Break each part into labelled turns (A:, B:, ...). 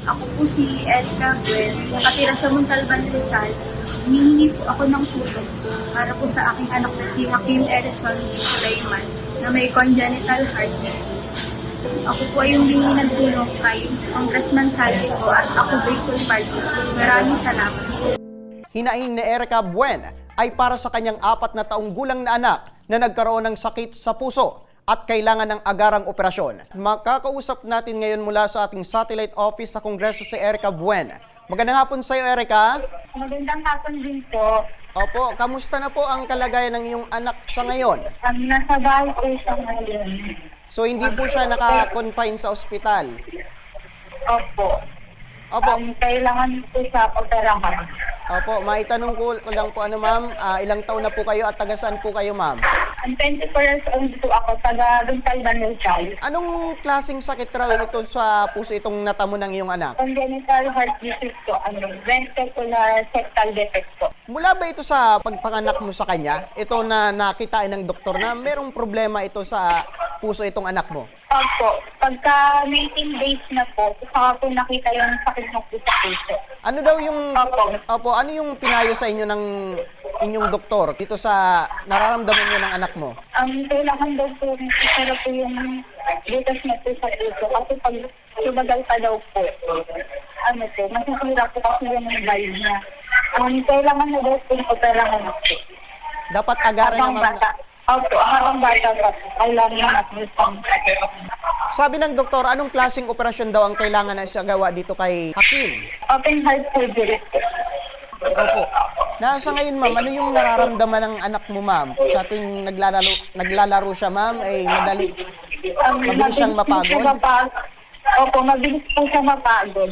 A: Ako po si Erica Buel, nakatira sa Montalban, Rizal. Humihingi po ako ng tulong para po sa aking anak na si Hakim Erison B. Sulaiman na may congenital heart disease. Ako po ay humingi ng tulong kay Congressman Saldico at ako Bicol Party List. Maraming salamat po.
B: Hinaing ni Erica Buen ay para sa kanyang 4 na taong gulang na anak na nagkaroon ng sakit sa puso at kailangan ng agarang operasyon. Makakausap natin ngayon mula sa ating satellite office sa Kongreso si Erica Buen. Magandang hapon sa iyo, Erica.
C: Magandang hapon din po.
B: Opo, kamusta na po ang kalagayan ng iyong anak sa ngayon?
C: Nasa bahay po siya ngayon.
B: So hindi po siya naka-confine sa ospital?
C: Opo.
B: Opo.
C: Kailangan po siya operahan.
B: Opo, maitanong ko lang po ma'am, ilang taon na po kayo at taga saan po kayo, ma'am?
C: Ang 24 years old po ako, taga Montalban, Rizal.
B: Anong klaseng sakit raw ito sa puso itong natamo ng iyong anak?
C: Congenital heart disease po, ventricular septal defect po.
B: Mula ba ito sa pagpanganak mo sa kanya? Ito na nakitain ng doktor na merong problema ito sa puso itong anak mo?
C: Opo, pagka 19 days na po, saka po nakita yung sakit ng puso.
B: Ano daw yung
C: Opo.
B: ano yung pinayo sa inyo ng inyong doktor dito sa nararamdaman niyo ng anak mo?
C: Ang kailangan daw po, isa po yung butas na po sa puso. Kasi pag sumagal pa daw po, masasira po kasi yung valve niya. Kailangan na daw po yung operahan po.
B: Dapat agaran
C: Habang
B: naman.
C: bata. Opo, habang bata pa po. Kailangan natin pang
B: Sabi ng doktor, anong klaseng operasyon daw ang kailangan na isagawa dito kay Hakim?
C: open heart surgery po.
B: Opo. Nasa ngayon, ma'am, ano yung nararamdaman ng anak mo, ma'am? Sa tuwing naglalaro siya, ma'am, ay mabilis siyang mapagod?
C: Opo, mabilis po siya mapagod.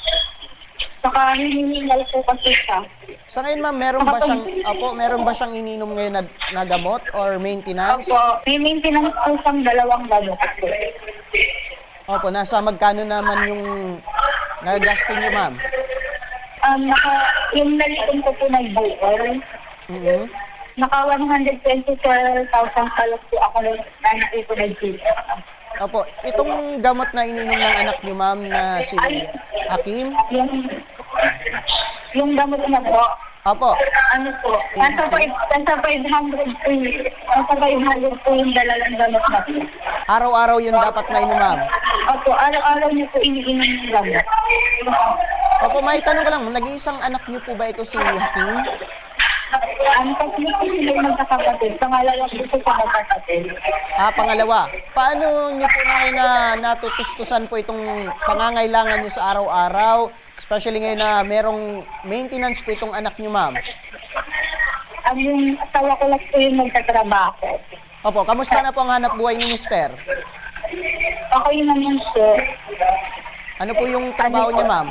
C: Saka hinihingal po kasi siya.
B: Sa ngayon, ma'am, meron ba siyang ininom ngayon na gamot or maintenance?
C: Opo, may maintenance po siyang 2 gamot po.
B: Opo, nasa magkano naman yung nagagastos niyo, ma'am?
C: Yung nalitin ko po nag-buol,
B: Mhm.
C: naka 124,000 palos po ako na naipon nag-buol.
B: Opo, itong gamot na ininom ng anak niyo, ma'am, na si Hakim?
C: Yung gamot na po,
B: Opo.
C: ano po, nasa 500 po yung dalalang gamot na po.
B: Araw-araw yun dapat mainom, ma'am.
C: Opo, araw-araw niyo po iniinom yung gamot.
B: Opo, may tanong ko lang, nag-iisang anak niyo po ba ito si Hakim?
C: Ang tatlo po sila yung magkakapatid, pangalawa po po sa magkakapatid.
B: Pangalawa, paano niyo po na natutustusan po itong pangangailangan niyo sa araw-araw? Especially ngayon na merong maintenance po itong anak niyo, ma'am.
C: Yung asawa ko lang po yung magtatrabaho.
B: Opo, kamusta na po ang hanap buhay ni Mister?
C: Okay naman po.
B: Ano po yung trabaho niya, ma'am?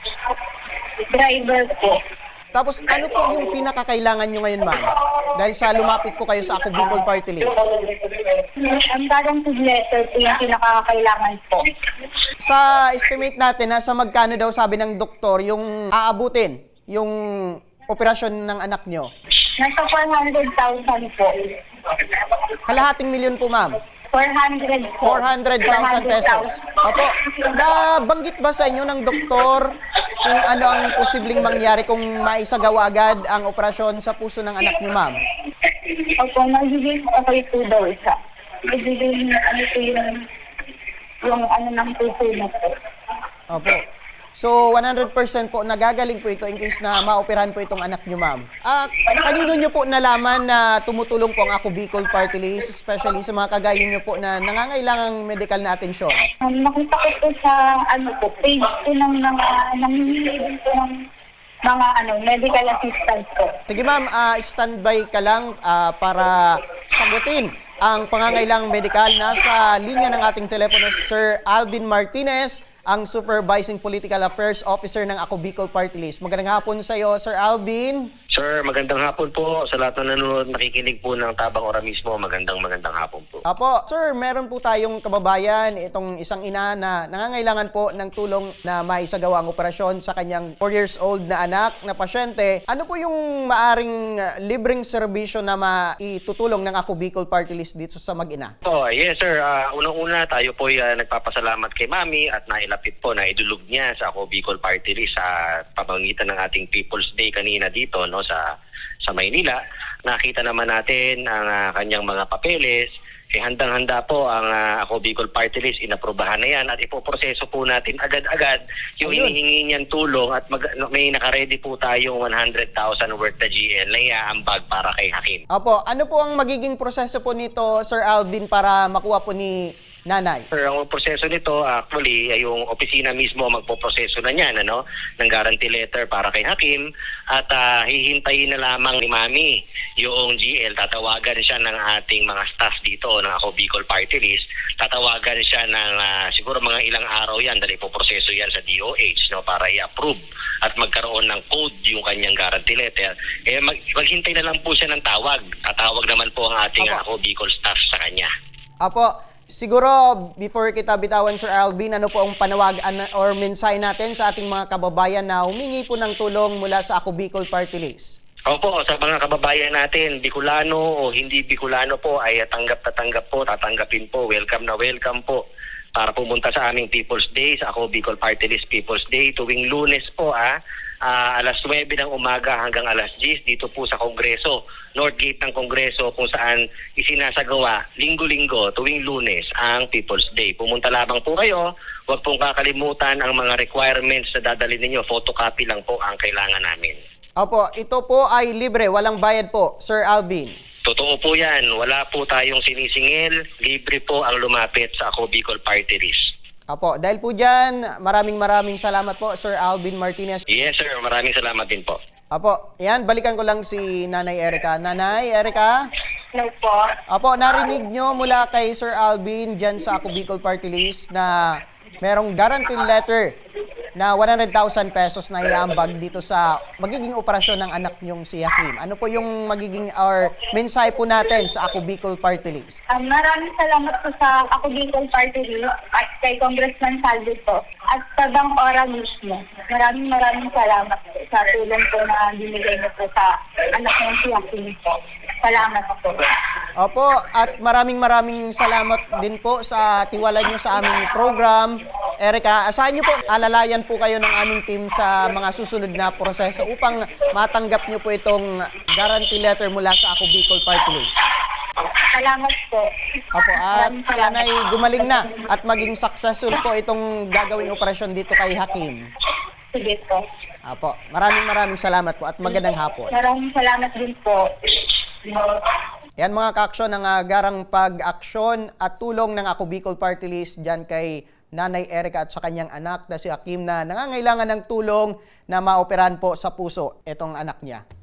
C: Driver po.
B: Tapos ano po yung pinakakailangan niyo ngayon, ma'am? Dahil sa lumapit po kayo sa Ako Bicol Party List.
C: Ang parang letter po yung pinakakailangan po.
B: Sa estimate natin, nasa magkano daw sabi ng doktor yung aabutin yung operasyon ng anak niyo?
C: Nasa 400,000 po.
B: Kalahating milyon po, ma'am.
C: 400 po.
B: 400,000 pesos. Opo, nabanggit ba sa inyo ng doktor kung ano ang posibleng mangyari kung maisagawa agad ang operasyon sa puso ng anak niyo, ma'am?
C: Opo, magiging okay po daw siya. Magiging ano po yung ano ng puso na po.
B: Opo. So, 100% po nagagaling po ito in case na maoperahan po itong anak niyo, ma'am. Kanino niyo po nalaman na tumutulong po ang Ako Bicol Party List, especially sa mga kagaya niyo po na nangangailangang medical na atensyon?
C: Nakita ko po sa page po ng mga namimili din po ng mga medical assistance po.
B: Sige, ma'am, standby ka lang para sagutin ang pangangailangang medikal. Nasa linya ng ating telepono, Sir Alvin Martinez, ang Supervising Political Affairs Officer ng Ako Bicol Party List. Magandang hapon sa iyo, Sir Alvin.
D: Sir, magandang hapon po sa lahat ng nanonood, nakikinig po ng Tabang Ora mismo. Magandang hapon po.
B: Apo, sir, meron po tayong kababayan, itong isang ina na nangangailangan po ng tulong na maisagawa ang operasyon sa kanyang 4 years old na anak na pasyente. Ano po yung maaring libreng serbisyo na maitutulong ng Ako Bicol Party List dito sa mag-ina?
D: Oh, yes sir. Unang-una tayo po nagpapasalamat kay Mami at nailapit po na idulog niya sa Ako Bicol Party List sa pamamagitan ng ating People's Day kanina dito, no, sa Maynila. Nakita naman natin ang kanyang mga papeles. Handang-handa po ang Ako Bicol Party List, inaprubahan na yan at ipoproseso po natin agad-agad yung hinihingi niyan tulong at may nakaredy po tayong 100,000 worth na GL na iaambag para kay Hakim.
B: Apo, ano po ang magiging proseso po nito, Sir Alvin, para makuha po ni nanay?
D: Sir, ang proseso nito actually ay yung opisina mismo magpoproseso na niyan, ng guarantee letter para kay Hakim at hihintayin na lamang ni Mami yung GL. Tatawagan siya ng ating mga staff dito ng Ako Bicol Party List. Tatawagan siya ng siguro mga ilang araw yan dahil ipoproseso yan sa DOH, para i-approve at magkaroon ng code yung kanyang guarantee letter. Maghintay na lang po siya ng tawag. Tatawag naman po ang ating Ako Bicol staff sa kanya.
B: Apo, siguro before kita bitawan, Sir Alvin, ano po ang panawagan or mensahe natin sa ating mga kababayan na humingi po ng tulong mula sa Ako Bicol Party List?
D: Opo, sa mga kababayan natin, Bicolano o hindi Bicolano po ay tanggap na tanggap po, tatanggapin po, welcome na welcome po para pumunta sa aming People's Day, sa Ako Bicol Party List People's Day tuwing Lunes po alas 9 ng umaga hanggang alas 10 dito po sa Kongreso, North Gate ng Kongreso kung saan isinasagawa linggo-linggo tuwing Lunes ang People's Day. Pumunta lamang po kayo, huwag pong kakalimutan ang mga requirements na dadalhin ninyo, photocopy lang po ang kailangan namin.
B: Opo, ito po ay libre, walang bayad po, Sir Alvin.
D: Totoo po yan, wala po tayong sinisingil, libre po ang lumapit sa Ako Bicol Party List.
B: Opo, dahil po dyan, maraming salamat po, Sir Alvin Martinez.
D: Yes sir, maraming salamat din po.
B: Opo, yan, balikan ko lang si Nanay Erica. Nanay Erica?
C: Hello po.
B: Opo, narinig nyo mula kay Sir Alvin dyan sa Ako Bicol Party List na merong guarantee letter na 100,000 pesos na iambag dito sa magiging operasyon ng anak nyong si Hakim. Ano po yung magiging or mensahe po natin sa Ako Bicol Party List?
C: Maraming salamat po sa Ako Bicol Party List at kay Congressman Saldi po at sa Tabang Ora mismo. Maraming salamat po sa tulong po na binigay niyo po sa anak ng si Hakim po. Salamat po.
B: Opo, at maraming salamat din po sa tiwala nyo sa aming program. Erica, asahan nyo po, alalayan po kayo ng aming team sa mga susunod na proseso upang matanggap nyo po itong guarantee letter mula sa Ako Bicol Party List.
C: Salamat po.
B: Opo, at
C: Maraming salamat.
B: sana'y gumaling na at maging successful po itong gagawing operasyon dito kay Hakim.
C: Sige po.
B: Opo, maraming salamat po at magandang hapon.
C: Maraming salamat din po.
B: Yan mga ka-aksyon, ang garang pag-aksyon at tulong ng Ako Bicol Party List dyan kay Nanay Erica at sa kanyang anak na si Hakim na nangangailangan ng tulong na maoperahan po sa puso itong anak niya.